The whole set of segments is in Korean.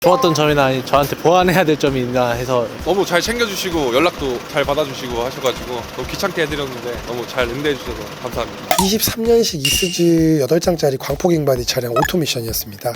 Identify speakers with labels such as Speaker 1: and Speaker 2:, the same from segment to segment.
Speaker 1: 좋았던 점이나 아니 저한테 보완해야 될 점이 있나 해서
Speaker 2: 너무 잘 챙겨주시고 연락도 잘 받아주시고 하셔가지고 너무 귀찮게 해드렸는데 너무 잘 응대해주셔서 감사합니다.
Speaker 3: 23년식 이스즈 8장짜리 광폭 잉바디 차량 오토미션이었습니다.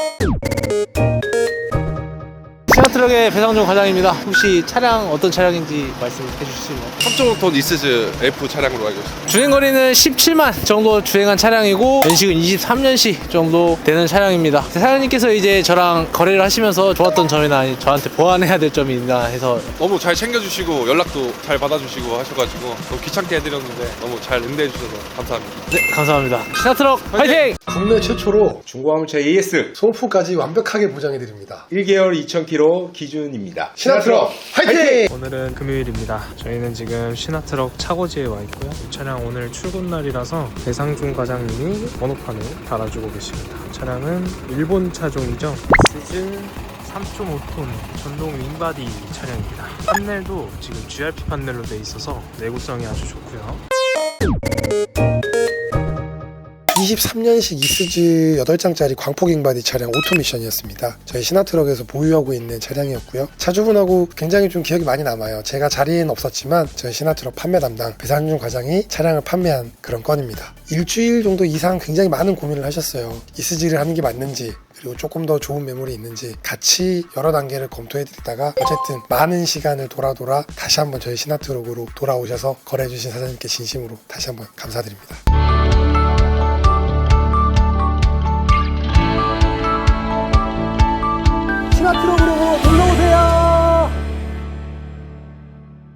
Speaker 1: 시나트럭의 배상준 과장입니다. 혹시 차량 어떤 차량인지 말씀해 주실 수 있나요?
Speaker 2: 3.5톤 이스즈 F 차량으로 알고 있습니다.
Speaker 1: 주행거리는 17만 정도 주행한 차량이고 연식은 23년식 정도 되는 차량입니다. 사장님께서 이제 저랑 거래를 하시면서 좋았던 점이나 아니 저한테 보완해야 될 점이 있나 해서
Speaker 2: 너무 잘 챙겨주시고 연락도 잘 받아주시고 하셔가지고 너무 귀찮게 해드렸는데 너무 잘 응대해주셔서 감사합니다.
Speaker 1: 네, 감사합니다. 시나트럭 화이팅!
Speaker 3: 국내 최초로
Speaker 4: 중고화물차 AS
Speaker 3: 소모품까지 완벽하게 보장해드립니다.
Speaker 4: 1개월 2,000km 기준입니다.
Speaker 3: 시나트럭 화이팅!
Speaker 5: 오늘은 금요일입니다. 저희는 지금 시나트럭 차고지에 와 있고요. 이 차량 오늘 출근 날이라서 배상준 과장님이 번호판을 달아주고 계십니다. 차량은 일본 차종이죠. 이스즈 3.5톤 전동 윙바디 차량입니다. 판넬도 지금 GRP 판넬로 돼 있어서 내구성이 아주 좋고요.
Speaker 3: 23년식 이스즈 8장짜리 광폭 잉바디 차량 오토미션이었습니다. 저희 시나트럭에서 보유하고 있는 차량이었고요. 차주분하고 굉장히 좀 기억이 많이 남아요. 제가 자리에는 없었지만 저희 시나트럭 판매 담당 배상준 과장이 차량을 판매한 그런 건입니다. 일주일 정도 이상 굉장히 많은 고민을 하셨어요. 이스즈를 하는 게 맞는지 그리고 조금 더 좋은 매물이 있는지 같이 여러 단계를 검토해드리다가 어쨌든 많은 시간을 돌아 다시 한번 저희 시나트럭으로 돌아오셔서 거래해주신 사장님께 진심으로 다시 한번 감사드립니다. 시나트럭으로